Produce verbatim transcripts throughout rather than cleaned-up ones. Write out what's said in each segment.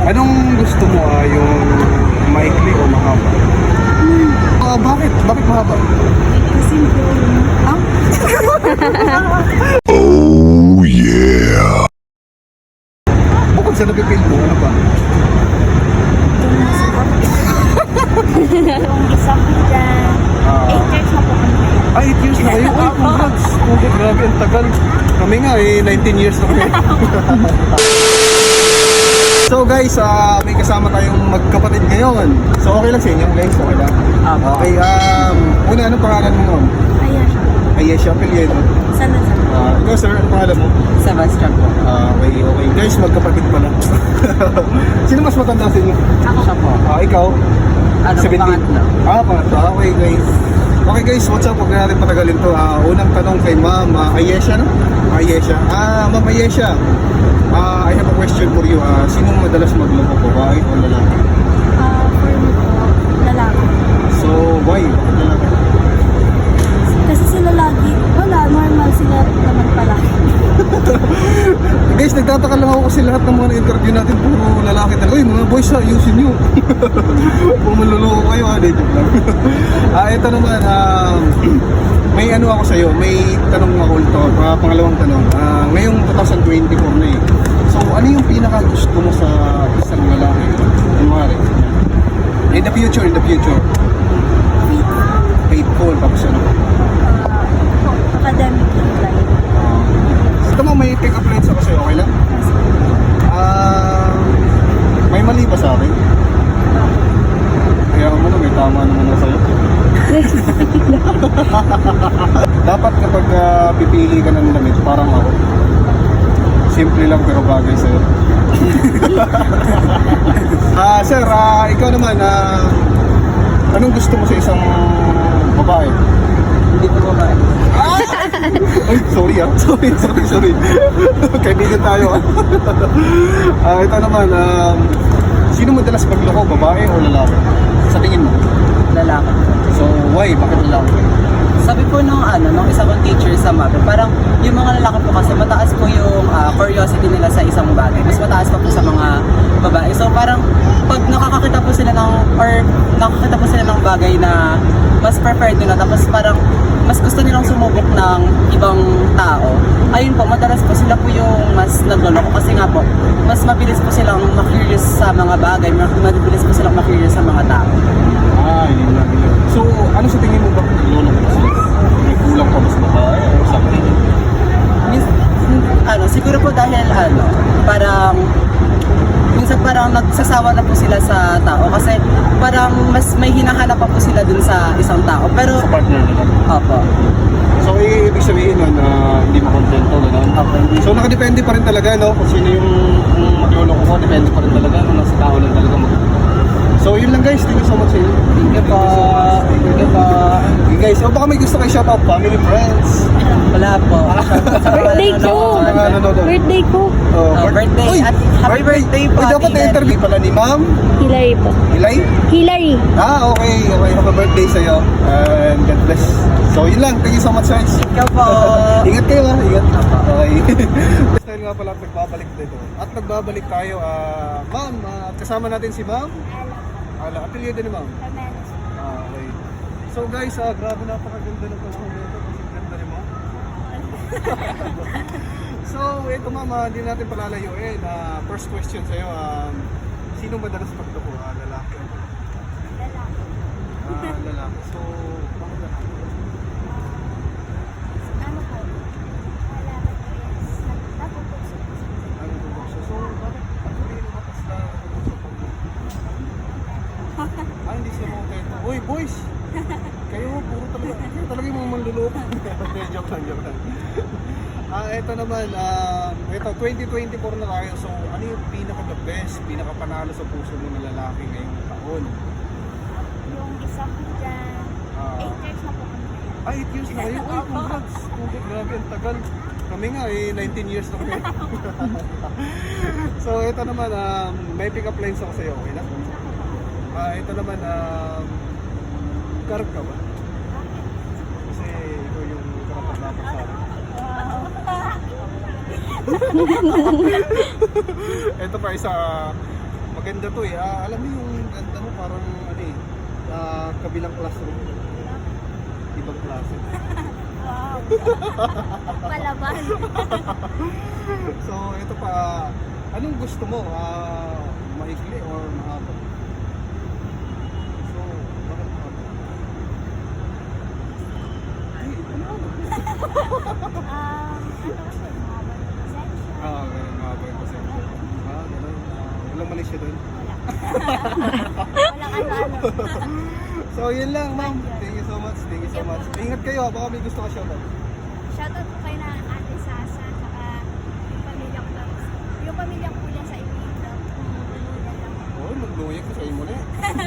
Anong gusto mo, ah, yung maikli o mahaba? Hmm. Ah, bakit? Bakit mahaba? Kasi po, ah? Oh yeah. Bukod sa napipil mo, ano pa? Yung isa ko dyan. Ah, eight years na po kami. ah, eight years na kayo? Ay, congrats! Congrats, grabe, ang tagal. Kami nga eh, nineteen years na kami. So guys, ah, may kasama tayong magkapatid ngayon. So okay lang sa inyo, Lex? Okay lang? Okay, um, una, anong pangalan mo ngayon? Ayan siya. Ayesha Apelyedo. Sana sa. Ah, ikaw sir, anong pangalan mo? Sebastian po. Ah, okay, okay. Guys, magkapatid pala. Sino mas matanda sa inyo? Ako siya po. Ah, ikaw? Ano, seventeen. pangatlo. Ah, pangatlo. Okay guys. Okay guys, what's up? Huwag na natin patagalin to. Ah, unang tanong kay Ma'am ah, Ayesha, no? Ayesha. Ah, Ma'am Ayesha. Ah, I have a question for you. Ah, sinong madalas magloko, babae o lalaki? Ah, for me po, lalaki. So, why? Bakit lalaki? Kasi sila lagi, wala, normal sila naman pala. Guys, nagtataka lang ako kasi lahat ng mga interview natin puro lalaki talaga. Uy, mga boys ha, ayusin nyo. Kung manluloko kayo ha, de joke lang. Ah, ito naman, ah, may ano ako sa'yo, may tanong ako ito, uh, pangalawang tanong. Ah, ngayong twenty twenty-four na eh. So, ano yung pinaka gusto mo sa isang lalaki? Kunwari, in the future, in the future. Faithful, tapos ano? Ah, ito po, academic line. Ito mo, may pick-up lines ako sa'yo, okay lang? Ah, may mali ba sa akin? Kaya mo na, may tama naman ako sa'yo. Dapat kapag uh, pipili ka ng damit, parang ako. Simple lang pero bagay sa'yo. Ah, sir, ah, ikaw naman, ah, anong gusto mo sa isang babae? Hindi po babae. Ah! Ay, sorry ah. Sorry, sorry, sorry. Kaibigan tayo ah. Ah, ito naman, um, sino madalas magloko, babae o lalaki? Sa tingin mo? Lalaki. So, why? Bakit lalaki? Sabi po nung ano, nung isa kong teacher sa math, parang yung mga lalaki po kasi mataas po yung ah, curiosity nila sa isang bagay. Mas mataas pa po sa mga babae. So parang pag nakakakita po sila ng, or nakakita po sila ng bagay na mas preferred nila, tapos parang mas gusto nilang sumubok ng ibang tao, ayun po, madalas po sila po yung mas nagloloko kasi nga po, mas mabilis po silang ma-curious sa mga bagay, mabilis po silang ma-curious sa mga tao. Ah, yun lang yun. So, ano sa tingin mo ba lolo ko kasi? May kulang pa ba sa babae o sa akin? Mis- ano, siguro po dahil ano, parang minsan parang nagsasawa na po sila sa tao kasi parang mas may hinahanap pa po sila dun sa isang tao. Pero, Sa partner nila. opo. So, eh, ibig sabihin nun na hindi makontento, gano'n? Opo, hindi. So, nakadepende pa rin talaga, no? Kung sino yung yung magloloko ko, depende pa rin talaga. Kung nasa tao lang talaga mag So, yun lang guys. Thank you so much sa inyo. Thank you po. Thank you po. Okay guys, so baka may gusto kayo shoutout, family, friends. Wala po. Birthday ko! Sa mga nanonood. Birthday ko! Oh, Oh, birthday. Uy, At happy birthday po, Uy, dapat Ate na-interview pala ni Ma'am Hilary po. Ilay. Hilary! Ah, okay. Okay, happy birthday sa'yo. And God bless. So, yun lang. Thank you so much, guys. Thank you po. Ingat kayo, ha. Ingat. Okay. Dahil nga pala nagbabalik dito. At nagbabalik tayo. ah Ma'am, ah, kasama natin si Ma'am. Ala, apelyido ni Ma'am. Ah, okay. So guys, ah, grabe napakaganda ng panahon nito kasi ganda ni Ma'am. So, ito Ma'am, ah, hindi natin palalayuin. Ah, first question sa'yo, um, sino madalas magloko? Ah, lalaki. Ah, lalaki. So, bakit lalaki? Ano po? Wala ko po yes. Napupukso. Ano ito ba siya? So, bakit ano rin yung batas na ah, hindi sila kontento. Uy, boys! Kayo, puro talaga. Kayo talaga yung mga manluloko. Hindi, joke lang, joke lang. Ah, ito naman, ah, ito, twenty twenty-four na tayo. So, ano yung pinaka-the best, pinaka-panalo sa puso mo na lalaki ngayong taon? Yung isa ko dyan. Ah, eight years na po kami. ah, eight years na kayo. Uy, congrats! Congrats, grabe, ang tagal. Kami nga eh, nineteen years na kami. So, ito naman, um, may pick-up lines ako sa'yo, okay lang? Ah, ito naman, um, karag ka ba? Kasi ikaw yung karapat-dapat sa akin. Ito pa isa, maganda maganda to eh. Ah, alam mo yung ganda mo parang ano eh, ah, kabilang classroom. Ibang klase. Wow. Palaban. So, ito pa, anong gusto mo? Ah, maikli or mahaba? So, bakit mahaba? Ay, ano? Um, ano kasi, mahaba ng pasensya. Ah, ganun, mahaba yung pasensya. Ah, ganun. Ah, walang mali siya doon. Wala. Walang ano-ano. So, yun lang, ma'am. Thank you so much. Thank you so much. Ingat kayo, ah, baka may gusto ka shoutout. Shoutout po kayo na Ate Sasa, tsaka yung pamilya ko lang. Yung pamilya ko dyan sa Ilinda. Yan lang. Oh, magluyag ko sa imo na eh.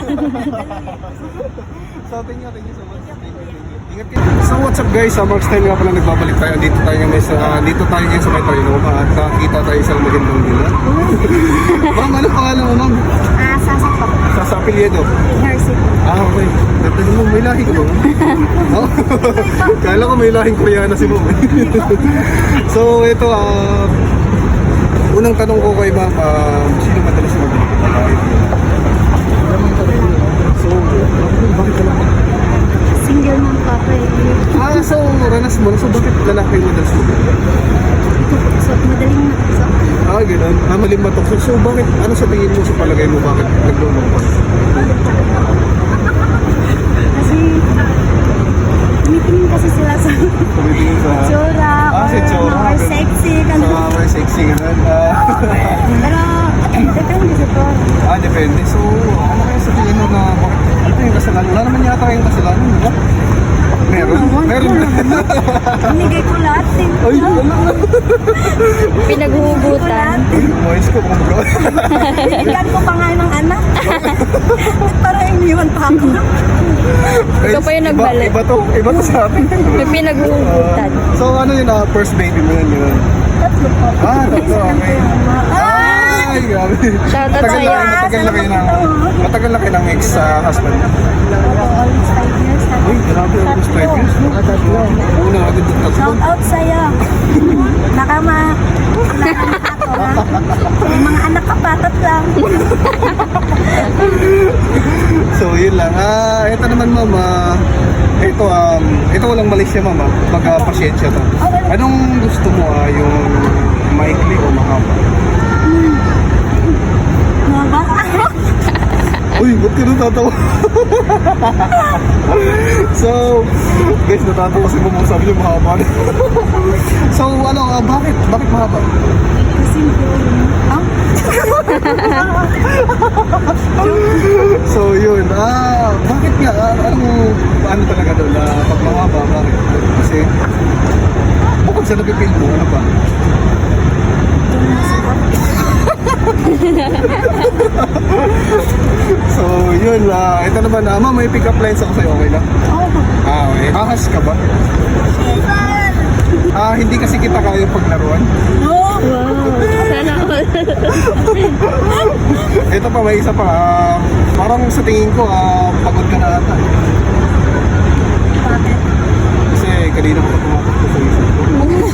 So, thank you, thank you so much. Thank you, thank you. Ingat kayo. So, what's up guys? Sa Mark's Time nga pala nagbabalik tayo. Dito tayo ngayon sa, uh, dito tayo ngayon sa may Trinoma at nakita tayo isang magandang nila. Ma'am, ano pangalan mo, ma'am? Ah, Sasa po. Sa sa apelyido. Nursing. Ah, okay. Ganda mo, may lahi ka ba? Oh? Kala ko may lahing Koreana si ma'am. So, ito, ah, unang tanong ko kay ma'am, ah, sino madalas mag-live? So, bakit ka lang? Single mom pa po eh. Ah, so, ranas mo. So, bakit lalaki mo madalas mag So, madaling nakasok. Ah, gano'n. Ah, maling matok. So, bakit, ano sa tingin mo sa palagay mo, bakit naglulungkot? Kasi, tumitingin kasi sila sa Tumitingin sa... tsura Ah, si or tsura. more sexy. Sa Ganun. mga may sexy, gano'n. Ah, Pero, depende sa to. ah, depende. So, ano kaya sa tingin mo na, bakit, ano yung kasalanan? Wala naman yata kayong kasalanan, di ba? Meron? Meron. Binigay ko lahat eh. Ay, wala na. Pinaghuhugutan. Boys ko, kung magawa. Ikan ko pa nga ng anak. Para iniwan pa ako. Ikaw pa yung Iba- nagbalik. Iba to, iba to sa atin. May pinaghuhugutan. So, ano yun, ah, first baby mo yun, yun? Tatlo po. Ah, tatlo, okay. Ay, grabe. Shoutout Matagal sa'yo. na, matagal na kayo ng, matagal na kayo ng ex-husband. Almost five years na. Uy, grabe, almost five years, no? Una, agad yung tatlo. Shout out sa'yo. Baka ma... Nakanak ako ha. May mga anak ka patat lang. So, yun lang. Ah, ito naman, ma'am, ah, ito, um, ito walang mali siya, ma'am, ah. Pagka-pasyensya to. Anong gusto mo, ah, yung maikli o mahaba? Mga ba? Uy, ba't ka natatawa? So, guys, natatawa si mama, sabi niya mahaba. So, ano, ah, bakit? Bakit mahaba? Kasi ha? So, yun. Ah, bakit nga? Ah, ano, ano talaga doon? Ah, pag mahaba, bakit? Kasi, bukod sa napipil mo, ano pa? So, yun. Ah, ito naman, ah, ma'am, may pick-up lines ako sa'yo, okay lang? Oo. Ah, okay. Ahas ka ba? Ah, hindi kasi kita kaya paglaruan. No. Sana all. Ito pa, may isa pa. Ah, parang sa tingin ko, ah, pagod ka na ata. Bakit? Kasi kanina ko pa tumatak ko sa isip ko.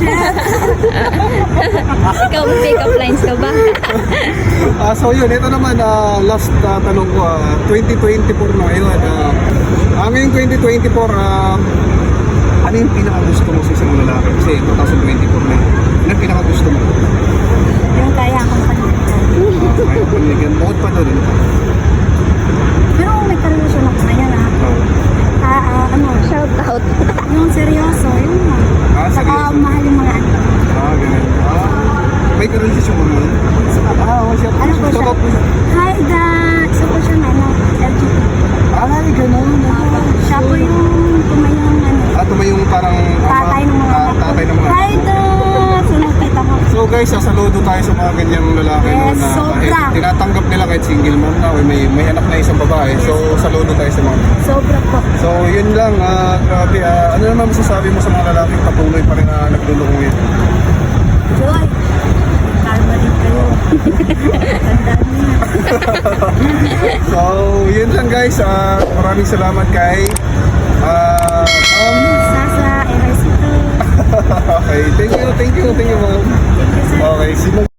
Ikaw, may pick-up lines ka ba? Ah, so yun, ito naman, ah, last ah, tanong ko, ah, twenty twenty-four na ngayon. Ah, ah, ngayong twenty twenty-four, ah, ano yung pinaka-gusto mo sa isang lalaki? Kasi twenty twenty-four na yun. Ano yung pinaka-gusto mo? Yung kaya akong panitin. Ah, may panigan. Bukod pa doon. Pero kung may karelasyon ako ngayon ha. Oh. Ah, ah, ano? Shout out. Yung seryoso, yun nga. Ah, Saka seryoso. mahal yung mga anak. Ah, ganun. Ah, may karelasyon mo naman. Ah, oh, siya. Ano po siya? Shout out mo. Hi, da! Isa po siya na, ano, L G B T. Ay, ganun. Ah, siya po yung tumayong, ano, Ah, tumayong parang tatay ng mga ah, anak. tatay ng mga Hi, da! So, nakita ko. So guys, sasaludo tayo sa mga ganyang lalaki no, Yes, na sobra. kahit tinatanggap nila kahit single mom na o may, may anak na isang babae. So saludo tayo sa mga. Sobra po. So yun lang, ah, grabe. ah, ano naman masasabi mo sa mga lalaking patuloy pa rin na naglulungin? Joy! Kalma din kayo. Tandaan niyo na. So yun lang guys, ah, maraming salamat kay ah, um, Sasa, Erasito. okay, thank you, thank you, thank you ma'am. Thank you, sir. Okay, sino